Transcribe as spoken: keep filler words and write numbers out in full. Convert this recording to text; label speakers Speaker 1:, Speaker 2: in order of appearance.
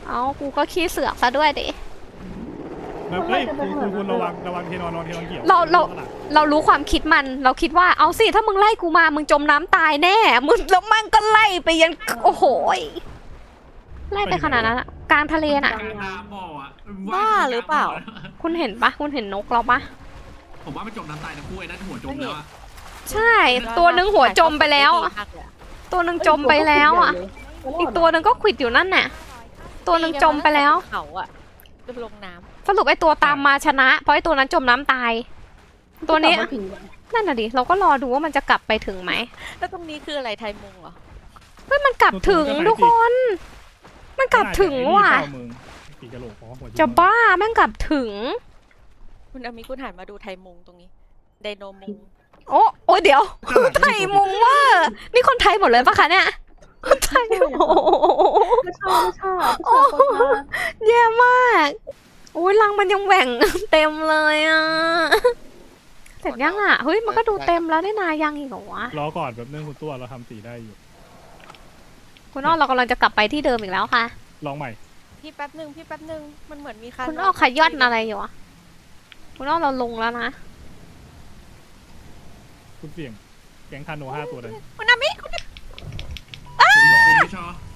Speaker 1: เอากูก็ขี้เสือกซะด้วยดิ
Speaker 2: แบบเฮ้ยคุณคุณคุณระวังระวังเทนอนนอนเทนอนเกี่ยว
Speaker 1: เราเราเรารู้ความคิดมันเราคิดว่าเอาสิถ้ามึงไล่กูมามึงจมน้ำตายแน่มึงแล้วมันก็ไล่ไปยันโอ้โหไล่ไปขนาดนั้นอะกลางทะเลน่ะ
Speaker 3: บ้าหรือเปล่า
Speaker 1: คุณเห็นปะคุณเห็นนกเราปะ
Speaker 4: ผมว่ามันจมน้ำตายนะคู่ไอ้นั่นหัวจมแล้วอะ
Speaker 1: ใช่ตัวนึงหัวจมไปแล้วอะตัวนึงจมไปแล้วอ่ะอีกตัวนึงก็ขวิดอยู่นั่นน่ะตัวนึงจมไปแล้ว
Speaker 3: เขาอะจะลงน้ำ
Speaker 1: สรุปไอ้ตัวตามมาชนะ เพราะไอ้ตัวนั้นจมน้ำตาย ตัวนี้นั่นน่ะดิเราก็รอดูว่ามันจะกลับไปถึงไหม
Speaker 3: แล้วตรงนี้คืออะไรไทยมุงเหรอ
Speaker 1: เฮ้ยมันกลับถึงทุกคน มันกลับถึงว่ะ
Speaker 2: ปีกระโหลกเพราะหัว
Speaker 1: จะบ้าแม่งกลับถึง
Speaker 3: คุณอามิคุณหันมาดูไทยมุงตรงนี้ไดโนมุง
Speaker 1: โอ้โอ้เดี๋ยวไทยมุงว่านี่คนไทยหมดเลยปะคะเนี่ยคนไทยโอ้โห
Speaker 5: ไม่ชอบไม่ชอบไม่ชอบคนมา
Speaker 1: แย่มากโอ้ยรังมันยังแหว่ง เต็มเลยอ่ะเสร็จยังอ่ะเฮ้ยมันก็ดูเต็มแล้วได้นายังอีกเหรอวะ
Speaker 2: รอก่อนแบบนึงคุณตัวเราทำสีได้อยู่
Speaker 1: คุณอ้อเรากำลังจะกลับไปที่เดิมอีกแล้วค่ะ
Speaker 2: ลองใหม่
Speaker 3: พี่แป๊บหนึ่งพี่แป๊บหนึ่งมันเหมือนมีคัน
Speaker 1: คุณอ้อขย่อนอะไรอยู่อะคุณอ้อเราลงแล้วนะ
Speaker 2: คุณเสี่ยงแก๊งคาโนห้าตัวเลย
Speaker 3: คุณอามิคุณ
Speaker 4: คุณไม่ชอบ